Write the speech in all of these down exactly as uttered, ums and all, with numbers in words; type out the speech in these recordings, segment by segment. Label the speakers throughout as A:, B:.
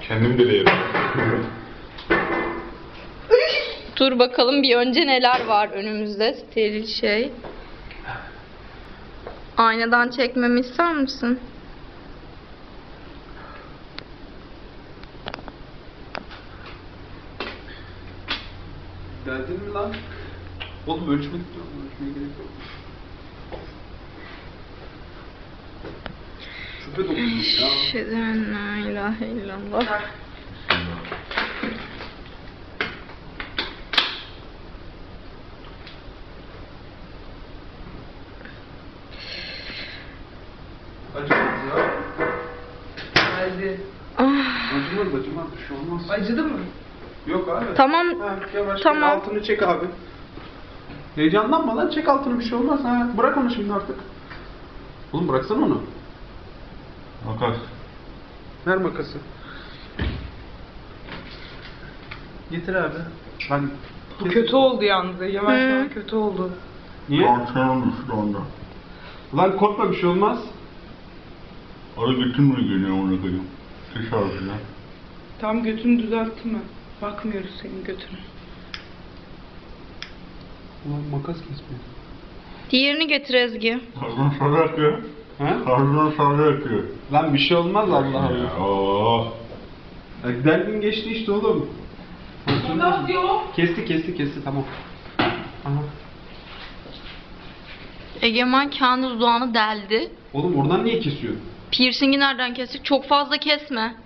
A: Kendim de yerim.
B: Dur bakalım bir önce neler var önümüzde. Steril şey. Aynadan çekmemi ister misin?
C: Geldin mi lan? Oğlum ölçmedik mi? Ölçmeye gerek yok. Şüphe dokunuyor ya.
B: Eşheden la ilahe illallah.
C: Acımaz ya.
D: Geldi.
B: Ah,
C: Acımaz acımaz bir şey olmaz.
D: Acıdı mı?
C: Yok abi.
B: tamam.
C: Ha, yavaş
B: Tamam.
C: tamam. Altını çek abi. Heyecanlanma lan, çek altını, bir şey olmaz. Ha, bırak onu şimdi artık. Oğlum bıraksana onu.
A: Makas.
C: Ver makası. Getir abi. Ben
D: Bu kötü oldu yalnız. Yavaş
B: Hı.
D: yavaş kötü oldu.
C: Niye?
A: Tansiyonum düştü onda.
C: Lan korkma, bir şey olmaz.
A: Ara götüm mü geliyor onu koyayım? Dışarıda.
D: Tam götünü düzelttin mi? Bakmıyoruz senin götüne.
C: Ulan makas kesmiyor.
B: Diğerini getir Ezgi.
A: Karnım sarı akıyor.
C: He?
A: Karnım sarı akıyor.
C: Lan bir şey olmaz, Allah Allah.
A: Ya, oh.
C: Ya, derdin geçti işte oğlum.
D: Nasıl yok?
C: Kesti kesti kesti, tamam. Aha.
B: Egemen kendi dudağını deldi.
C: Oğlum oradan niye kesiyorsun?
B: Piercing'i nereden kestik? Çok fazla kesme.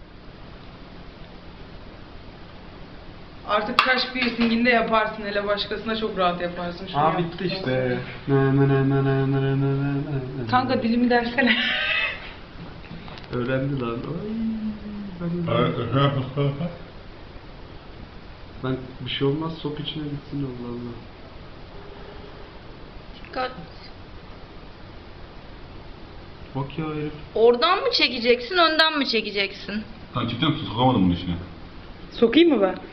D: Artık kaş piercinginde yaparsın. Hele başkasına çok rahat yaparsın. Şunu
C: Aa
D: yap.
C: bitti işte. Ne ne ne ne ne ne ne ne ne.
D: Kanka dilimi dersene.
C: Öğrendi lan. Ay, ben, ben bir şey olmaz, sok içine gitsin, Allah Allah.
B: Dikkat.
C: Bak ya herif.
B: Oradan mı çekeceksin, önden mi çekeceksin?
A: Sen cidden sokamadım bunun içine.
D: Sokayım mı ben?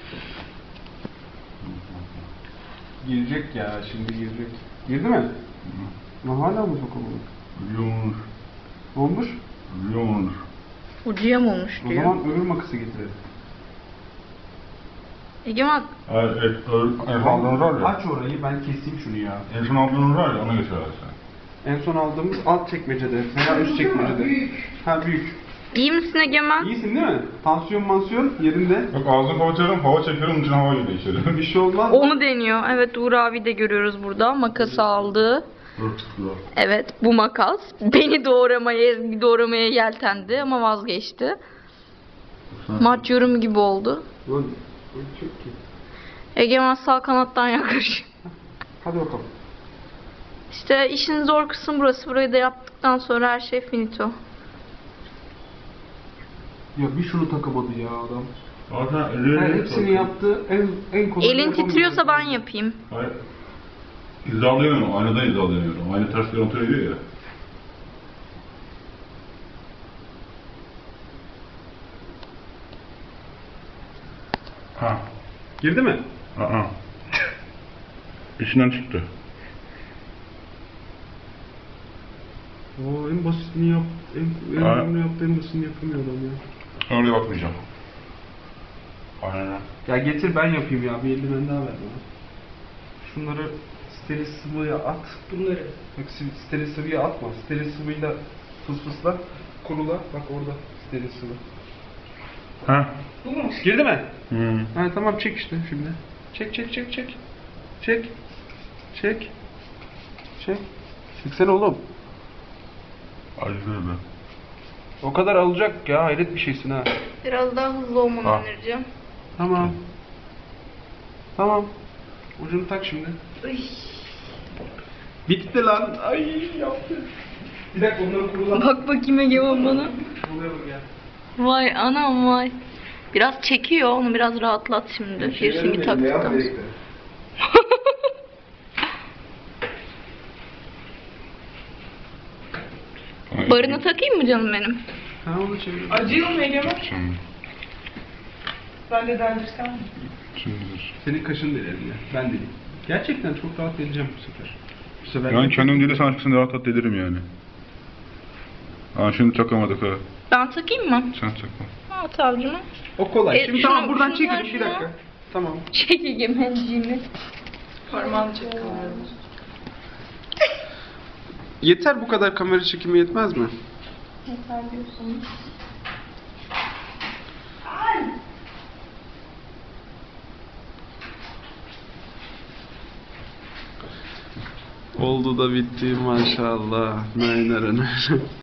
C: Girecek ya, şimdi girecek. Girdi mi? Lan hala mı sokamadık?
A: Biliyormuş.
C: Ne olmuş?
A: Biliyormuş.
B: Ucuya mı olmuş
C: O
B: diyor.
C: zaman öbür makası getirelim.
B: Egemen
A: Evet, evet, en son aldığınız var ya.
C: Aç orayı, ben keseyim şunu ya.
A: En son aldığınız var ya, ona götür abi sen.
C: En son aldığımız alt çekmecede veya üst çekmecede.
D: Büyük.
C: Ha büyük.
B: iyi misin Egemen?
C: İyisin değil mi? Tansiyon mansiyon yerinde.
A: Bak ağzını kapatıyorum, hava çekiyorum, içine hava geliyor içeri.
C: Bir şey olmaz.
B: Onu deniyor. Evet, Uğur abi de görüyoruz burada. Makası aldı.
A: Dur tutuyor.
B: Evet, bu makas. Beni doğramaya, Ezgi doğramaya yeltendi ama vazgeçti. Maç yorumu gibi oldu.
C: Lan çok ki.
B: Egemen sağ kanattan yaklaşıyor.
C: Hadi bakalım.
B: İşte işin zor kısmı burası. Burayı da yaptıktan sonra her şey finito.
C: Ya bir şunu takamadı ya adam.
A: Zaten elleri...
C: Her hepsini yaptı. En en kolay.
B: Elin titriyorsa ben yapayım.
A: Hayır. İzalayamıyorum, aynadan izalayamıyorum. Ayna ters kontrol ediyor ya. Ha.
C: Girdi mi?
A: Aa. İçinden çıktı.
C: Oo, en basitini yap. En, en
A: Ha.
C: önemli yaptı, en basitini yapamıyor adam ya.
A: Oraya bakmayacağım. Aynen.
C: Ya getir ben yapayım ya. Bir eldiven daha ver bana. Şunları steril sıvıya at.
D: Bunları.
C: Bak steril sıvıya atma. Steril sıvıyla fısfısla. Kurula. Bak orada steril sıvı.
A: Ha.
D: Bu mu?
C: Girdi mi?
A: Hmm.
C: Ha tamam, çek işte şimdi. Çek çek çek çek. Çek. Çek. Çek. Çeksene oğlum.
A: Acıyor be.
C: O kadar alacak ya, hayret bir şeysin ha.
B: Biraz daha hızlı olmanı
A: Ha.
B: önereceğim.
C: Tamam. Tamam. Ucunu tak şimdi.
B: Uy.
C: Bitti lan. Ay yaptı. Bir dakika onları kurulan.
B: Bak bakayım Egemen bana.
C: Buraya bak ya.
B: Vay anam vay. Biraz çekiyor, onu biraz rahatlat şimdi. Piercing'i taktıktan sonra. Barını takayım mı canım benim?
C: Ha onu çevir.
D: Acıyor mu Egemen?
A: Şimdi.
D: Ben de deldirsem mi?
A: Şimdi dur.
C: Senin kaşın delerim ya. Ben deleyim. Gerçekten çok rahat deleceğim bu sefer. Bu sefer
A: Yani kendim değil de sen açıkçası rahat rahat delirim yani. Ha şimdi takamadık ha.
B: Ben takayım mı?
A: Sen takma.
B: At avcuma.
C: O kolay.
B: E,
C: Şimdi
B: şunu-
C: tamam buradan
B: şunu
C: çekelim
B: ver
C: bir
B: şunu.
C: dakika. Tamam.
B: Çek egemenciğimi.
D: Parmağını çek.
C: Yeter bu kadar kamera çekimi yetmez mi?
B: Yeter diyorsunuz.
C: Oldu da bitti maşallah. Naynar